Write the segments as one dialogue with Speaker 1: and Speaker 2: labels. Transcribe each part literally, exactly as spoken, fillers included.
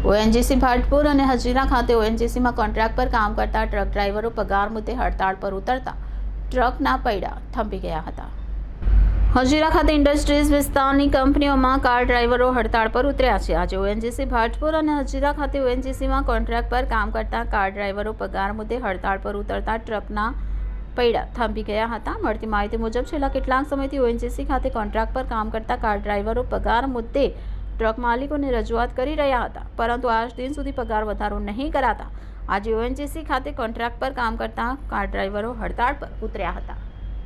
Speaker 1: ONGC ભાટપુર અને હજીરા ખાતે ઓએનજીસીમાં contract પર કામ કરતા ટ્રક ડ્રાઈવરો પગાર મુદ્દે હડતાળ પર ઉતરતા ટ્રકના પૈડા થંભી ગયા હતા। હજીરા ખાતે ઇન્ડસ્ટ્રીઝ વિસ્તારની કંપનીઓમાં કાર ડ્રાઈવરો હડતાળ પર ઉતર્યા છે। આજે ઓએનજીસી ભાટપુર અને હજીરા ખાતે ઓએનજીસીમાં કોન્ટ્રાક્ટ પર કામ કરતા કાર ડ્રાઈવરો પગાર મુદ્દે હડતાળ પર ઉતરતા ટ્રકના પૈડા થંભી ગયા હતા। મળતી માહિતી મુજબ છેલ્લા કેટલાક સમયથી ઓએનજીસી ખાતે કોન્ટ્રાક્ટ પર કામ કરતા કાર ડ્રાઈવરો પગાર મુદ્દે ટ્રક માલિકોને રજૂઆત કરી રહ્યા હતા, પરંતુ આજ દિન સુધી પગાર વધારો નહીં કરાતા આજે ઓએનજીસી ખાતે કોન્ટ્રાક્ટ પર કામ કરતા કાર ડ્રાઈવરો હડતાળ પર ઉતર્યા હતા।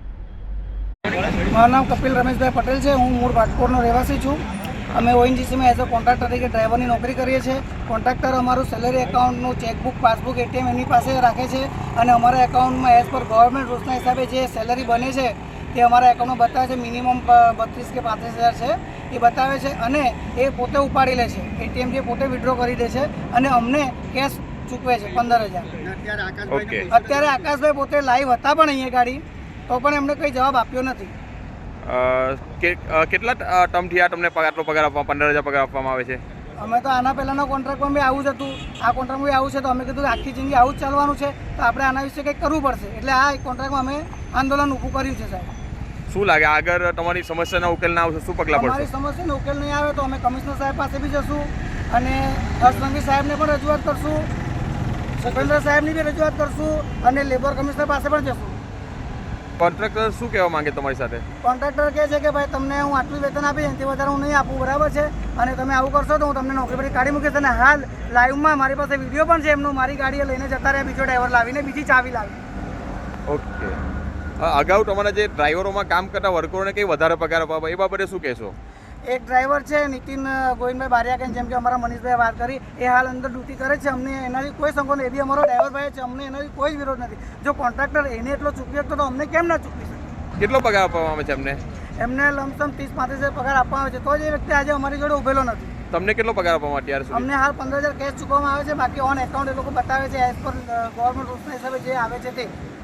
Speaker 2: મારું નામ કપિલ રમેશભાઈ પટેલ છે। હું મૂળ ભાટપુરનો રહેવાસી છું। અમે ઓએનજીસીમાં એઝ અ કોન્ટ્રાક્ટર તરીકે ડ્રાઈવરની નોકરી કરીએ છીએ। કોન્ટ્રાક્ટર અમારું સેલરી એકાઉન્ટનું ચેકબુક, પાસબુક, એટીએમ એની પાસે રાખે છે અને અમારા એકાઉન્ટમાં એઝ પર ગવર્મેન્ટ રૂલ્સના હિસાબે જે સેલરી બને છે તે અમારા એકાઉન્ટમાં બતાવે છે। મિનિમમ બત્રીસ કે પાંત્રીસ હજાર છે એ બતાવે છે અને એ પોતે ઉપાડી લે છે। એટીએમ જે પોતે વિડ્રો કરી દે છે અને અમને કેશ ચૂકવે છે પંદર હજાર। અત્યારે આકાશભાઈ પોતે લાઈવ હતા પણ અહીંયા ગાડી, તો પણ એમને કંઈ જવાબ આપ્યો નથી।
Speaker 3: કેટલા ટર્મથી આ તમને આટલો પગાર આપવા પંદર હજાર પગાર આપવામાં આવે છે?
Speaker 2: અમે તો આના પહેલાંના કોન્ટ્રાક્ટમાં બી આવું જ હતું। આ કોન્ટ્રાક્ટમાં બી આવું છે, તો અમે કીધું કે આખી જિંદગી આવું જ ચાલવાનું છે, તો આપણે આના વિશે કંઈક કરવું પડશે। એટલે આ કોન્ટ્રાક્ટમાં અમે આંદોલન ઊભું કર્યું છે સાહેબ।
Speaker 3: શું લાગે આગળ તમારી સમસ્યાનો ઉકેલ ના આવશે શું પગલાં પડશે?
Speaker 2: અમારી સમસ્યાનો ઉકેલ નહીં આવે તો અમે કમિશનર સાહેબ પાસે બી જશું અને હર્ષ સાહેબને પણ રજૂઆત કરશું, સુખેન્દ્ર સાહેબની બી રજૂઆત કરશું અને લેબર કમિશનર પાસે પણ જશું।
Speaker 3: કોન્ટ્રાક્ટર શું કહેવા માંગે તમારી સાથે?
Speaker 2: કોન્ટ્રાક્ટર કહે છે કે ભાઈ તમને હું આટલું વેતન આપીશ, એનાથી વધારે હું નહીં આપું, બરાબર છે, અને તમે આવું કરશો તો હું તમને નોકરી પરથી કાઢી મૂકીશ। અને હાલ લાઈવમાં મારી પાસે વિડીયો પણ છે એમનો, મારી ગાડીએ લઈને જતા રહ્યા બીજો ડ્રાઈવર લાવીને, બીજી ચાવી લાવી।
Speaker 3: ઓકે, અગાઉ તમારા જે ડ્રાઈવરોમાં કામ કરતા વર્કરોને કંઈ વધારે પગાર આપવા એ બાબતે શું કહેશો?
Speaker 2: એક ડ્રાઈવર છે નીતિન ગોવિંદભાઈ બારિયા, જેમ કે અમારા મનીષભાઈ વાત કરી, એ હાલ અંદર ડ્યુટી કરે છે। અમને એનાથી કોઈ સંકોચ, એ બી અમારો ડ્રાઈવર ભાઈ છે, અમને એનાથી કોઈ જ વિરોધ નથી। જો કોન્ટ્રાક્ટર એને એટલો ચૂકવી શકતો તો અમને કેમ ના ચૂકવી શકે?
Speaker 3: કેટલો પગાર આપવામાં આવે છે એમને?
Speaker 2: એમને લમસમ ત્રીસ પાંત્રીસ હજાર પગાર આપવામાં આવે છે, તો જ એ વ્યક્તિ આજે અમારી જોડે ઉભેલો નથી।
Speaker 3: તમને કેટલો પગાર આપવામાં અત્યાર સુધી?
Speaker 2: અમને હાલ પંદર હજાર કેશ ચૂકવવામાં આવે છે, બાકી ઓન એકાઉન્ટ એ લોકો બતાવે છે એઝ પર ગવર્મેન્ટ રૂલ્સના હિસાબે જે આવે છે તે।